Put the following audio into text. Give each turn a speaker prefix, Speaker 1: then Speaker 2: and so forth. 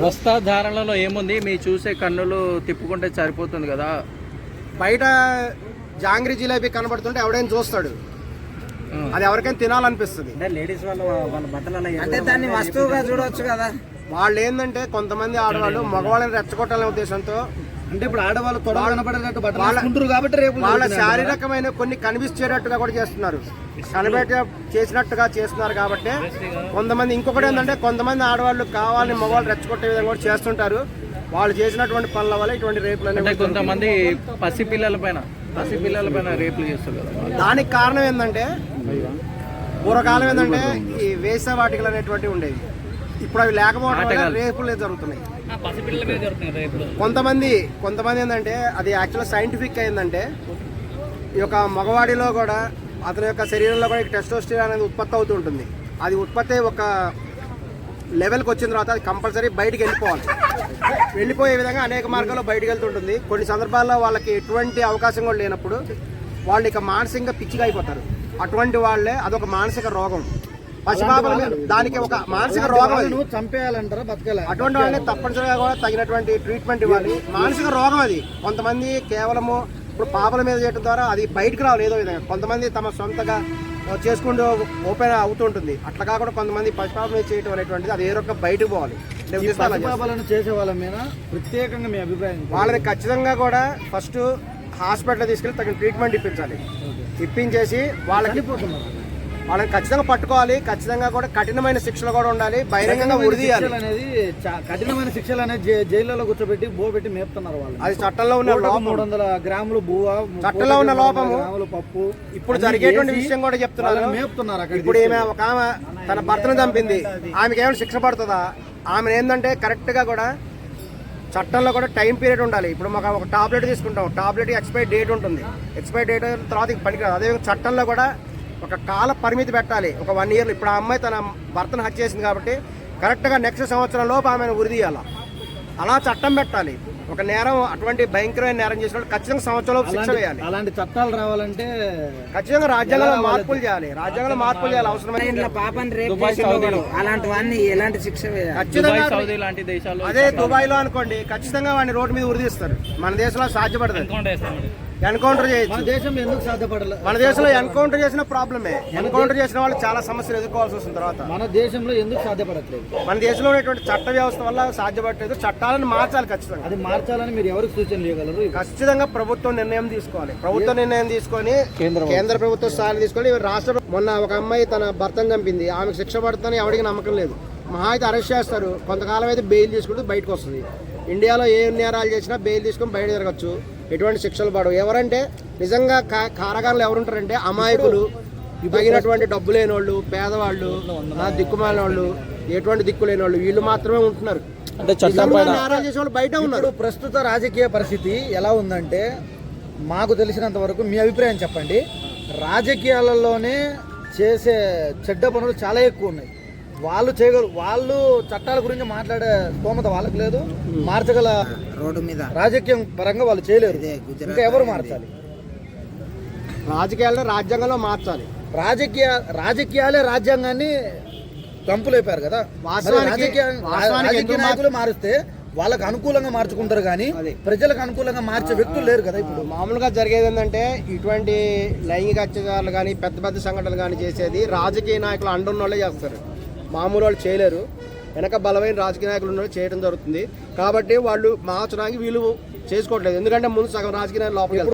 Speaker 1: వస్త్రధారణలో ఏముంది మీ చూసే కన్నులు తిప్పుకుంటే సరిపోతుంది కదా.
Speaker 2: బయట జాంగ్రీ జిలేబీ కనబడుతుంటే ఎవడైనా చూస్తాడు, అది ఎవరికైనా తినాలనిపిస్తుంది.
Speaker 3: లేడీస్ వాళ్ళ బట్టలు అంటే దాన్ని వస్తువుగా చూడవచ్చు కదా.
Speaker 2: వాళ్ళు ఏంటంటే కొంతమంది ఆడవాళ్ళు మగవాళ్ళని రెచ్చగొట్టాలనే ఉద్దేశంతో,
Speaker 3: అంటే ఇప్పుడు ఆడవాళ్ళు తొడ కనపడేటట్టు బట్టలు కాబట్టి రేపు
Speaker 2: వాళ్ళ శారీరకమైన కొన్ని కనిపించేటట్టుగా కూడా చేస్తున్నారు, కనిపెట్ట చేసినట్టుగా చేస్తున్నారు. కాబట్టి కొంతమంది ఇంకొకటి ఏంటంటే కొంతమంది ఆడవాళ్ళు కావాలని మగవాళ్ళు రెచ్చగొట్టే విధంగా కూడా చేస్తుంటారు. వాళ్ళు చేసినటువంటి పనుల వల్ల ఇటువంటి రేపులు అనేవి.
Speaker 1: కొంతమంది పసిపిల్లల పైన రేపులు చేస్తారు కదా.
Speaker 2: దానికి కారణం ఏంటంటే పూర్వకాలం ఏంటంటే ఈ వేసవాటికలు అనేటువంటివి ఉండేవి. ఇప్పుడు అవి లేకపోవడం వల్ల రేపులు జరుగుతున్నాయి. కొంతమంది ఏంటంటే అది యాక్చువల్గా సైంటిఫిక్ అయిందంటే ఈ యొక్క మగవాడిలో కూడా అతని యొక్క శరీరంలో కూడా టెస్టోస్టెరాన్ అనేది ఉత్పత్తి అవుతూ ఉంటుంది. అది ఉత్పత్తి ఒక లెవెల్కి వచ్చిన తర్వాత అది కంపల్సరీ బయటికి వెళ్ళిపోవాలి. వెళ్ళిపోయే విధంగా అనేక మార్గాల్లో బయటకు వెళ్తుంటుంది. కొన్ని సందర్భాల్లో వాళ్ళకి ఎటువంటి అవకాశం కూడా లేనప్పుడు వాళ్ళు ఇక మానసికంగా పిచ్చిగా అయిపోతారు. అటువంటి వాళ్ళే అదొక మానసిక రోగం. పసిపాపల మీద దానికి ఒక మానసిక రోగం,
Speaker 3: చంపేయాలంటారా బతకాలి.
Speaker 2: అటువంటి వాళ్ళని తప్పనిసరిగా కూడా తగినటువంటి ట్రీట్మెంట్ ఇవ్వాలి. మానసిక రోగం అది. కొంతమంది కేవలము ఇప్పుడు పాపల మీద చేయడం ద్వారా అది బయటకు రావాలి ఏదో విధంగా. కొంతమంది తమ సొంతగా చేసుకుంటూ ఓపెన్ అవుతుంటుంది. అట్లా కాకుండా కొంతమంది పసిపాపల మీద చేయడం అనేటువంటిది అది ఏ రకంగా బయటకు పోవాలి.
Speaker 3: చేసే వాళ్ళ మీద ప్రత్యేకంగా మీ అభిప్రాయం?
Speaker 2: వాళ్ళని ఖచ్చితంగా కూడా ఫస్ట్ హాస్పిటల్ తీసుకెళ్ళి తగిన ట్రీట్మెంట్ ఇప్పించాలి. ఇప్పించేసి వాళ్ళని ఖచ్చితంగా పట్టుకోవాలి. ఖచ్చితంగా కూడా కఠినమైన శిక్షలు కూడా ఉండాలి. బహిరంగంగా ఉరిదీయాలి.
Speaker 3: కఠినమైన శిక్షలు అనేది జైల్లో కూర్చోబెట్టి బోబెట్టి మేపుతున్నారు వాళ్ళు.
Speaker 2: అది చట్టంలో ఉన్న
Speaker 3: 300 గ్రాములు బువ్వ,
Speaker 2: చట్టంలో ఉన్న లోపము.
Speaker 3: పప్పు
Speaker 2: ఇప్పుడు జరిగేటువంటి విషయం కూడా చెప్తున్నారు.
Speaker 3: మేపుతున్నారు.
Speaker 2: ఇప్పుడు ఒక ఆమె తన భర్తను చంపింది, ఆమెకి ఏమైనా శిక్ష పడుతుందా? ఆమె ఏంటంటే కరెక్ట్ గా కూడా చట్టంలో కూడా టైం పీరియడ్ ఉండాలి. ఇప్పుడు మాకు ఒక టాబ్లెట్ తీసుకుంటాం, టాబ్లెట్ ఎక్స్పైరీ డేట్ ఉంటుంది. ఎక్స్పైరీ డేట్ తర్వాత పనికిరాదు. అదేవిధంగా చట్టంలో కూడా ఒక కాల పరిమితి పెట్టాలి. ఒక 1 year. ఇప్పుడు ఆ అమ్మాయి తన భర్తను హత్య చేసింది కాబట్టి కరెక్ట్గా నెక్స్ట్ సంవత్సరం లోపు ఆమెను ఉరిదీయాల. అలా చట్టం పెట్టాలి. ఒక నేరం అటువంటి భయంకరమైన నేరం చేసిన ఖచ్చితంగా సంవత్సరం లోపు శిక్ష వేయాలి.
Speaker 3: అలాంటి చట్టాలు రావాలంటే
Speaker 2: ఖచ్చితంగా రాజ్యాంగంలో మార్పులు చేయాలి. అవసరమైన
Speaker 3: అలాంటి వాడిని ఎలాంటి శిక్ష వేయాలి?
Speaker 2: ఖచ్చితంగా అదే దుబాయ్ లో అనుకోండి, ఖచ్చితంగా వాడిని రోడ్డు మీద ఉరిదీస్తారు. మన దేశంలో సాధ్యపడదు. ఎన్కౌంటర్ చేయొచ్చు.
Speaker 3: దేశంలో ఎందుకు సాధ్యపడలేదు?
Speaker 2: మన దేశంలో ఎన్కౌంటర్ చేసిన ప్రాబ్లమే. ఎన్కౌంటర్ చేసిన వాళ్ళు చాలా సమస్యలు ఎదుర్కోవాల్సి వస్తుంది. తర్వాత
Speaker 3: మన దేశంలో ఎందుకు సాధ్యపడట్లేదు?
Speaker 2: మన దేశంలో ఉన్నటువంటి చట్ట వ్యవస్థ వల్ల సాధ్యపడలేదు. చట్టాలను మార్చాలి. ఖచ్చితంగా
Speaker 3: అది మార్చాలని మీరు ఎవరికి సూచనలు ఇవ్వగలరు?
Speaker 2: ఖచ్చితంగా ప్రభుత్వం నిర్ణయం తీసుకోవాలి. ప్రభుత్వం నిర్ణయం తీసుకొని కేంద్ర ప్రభుత్వం స్థాయి తీసుకొని రాష్ట్ర మొన్న ఒక అమ్మాయి తన భర్తను చంపింది, ఆమెకు శిక్ష పడుతుందని ఎవరికి నమ్మకం లేదు. మహా అయితే అరెస్ట్ చేస్తారు, కొంతకాలం అయితే బెయిల్ తీసుకుంటూ బయటకు వస్తుంది. ఇండియాలో ఏ నేరాలు చేసినా బెయిల్ తీసుకొని బయట తిరగచ్చు, ఎటువంటి శిక్షలు పడవు. ఎవరంటే నిజంగా కారాగారంలో ఎవరుంటారంటే అమాయకులు, తగినటువంటి డబ్బు లేని వాళ్ళు, పేదవాళ్ళు, దిక్కుమాలిన వాళ్ళు, ఎటువంటి దిక్కు లేని వాళ్ళు, వీళ్ళు మాత్రమే ఉంటున్నారు.
Speaker 1: అంటే
Speaker 2: నేరాలు చేసే వాళ్ళు బయట ఉన్నారు.
Speaker 3: ప్రస్తుత రాజకీయ పరిస్థితి ఎలా ఉందంటే మాకు తెలిసినంత వరకు మీ అభిప్రాయం చెప్పండి. రాజకీయాలలోనే చేసే చెడ్డ పనులు చాలా ఎక్కువ ఉన్నాయి. వాళ్ళు చేయగలరు, వాళ్ళు చట్టాల గురించి మాట్లాడే స్తోమత వాళ్ళకి లేదు, మార్చగల రోడ్డు మీద రాజకీయం పరంగా వాళ్ళు చేయలేరు. ఇంకా ఎవరు మార్చాలి?
Speaker 2: రాజకీయాలను రాజ్యాంగంలో మార్చాలి.
Speaker 3: రాజకీయాలే రాజ్యాంగాన్ని కంపులేపారు కదా. రాజకీయ నాయకులు మారిస్తే వాళ్ళకి అనుకూలంగా మార్చుకుంటారు కానీ ప్రజలకు అనుకూలంగా మార్చే వ్యక్తులు లేరు కదా. ఇప్పుడు
Speaker 2: మామూలుగా జరిగేది ఏంటంటే ఇటువంటి లైంగిక అత్యాచారాలు కానీ పెద్ద పెద్ద సంఘటనలు కానీ చేసేది రాజకీయ నాయకులు అండున్న వాళ్ళే చేస్తారు. మామూలు వాళ్ళు చేయలేరు. వెనక బలమైన రాజకీయ నాయకులు ఉన్న వాళ్ళు చేయడం జరుగుతుంది. కాబట్టి వాళ్ళు మార్చడానికి వీళ్ళు చేసుకోవట్లేదు. ఎందుకంటే ముందు సగం రాజకీయ నాయకులు లోపలికి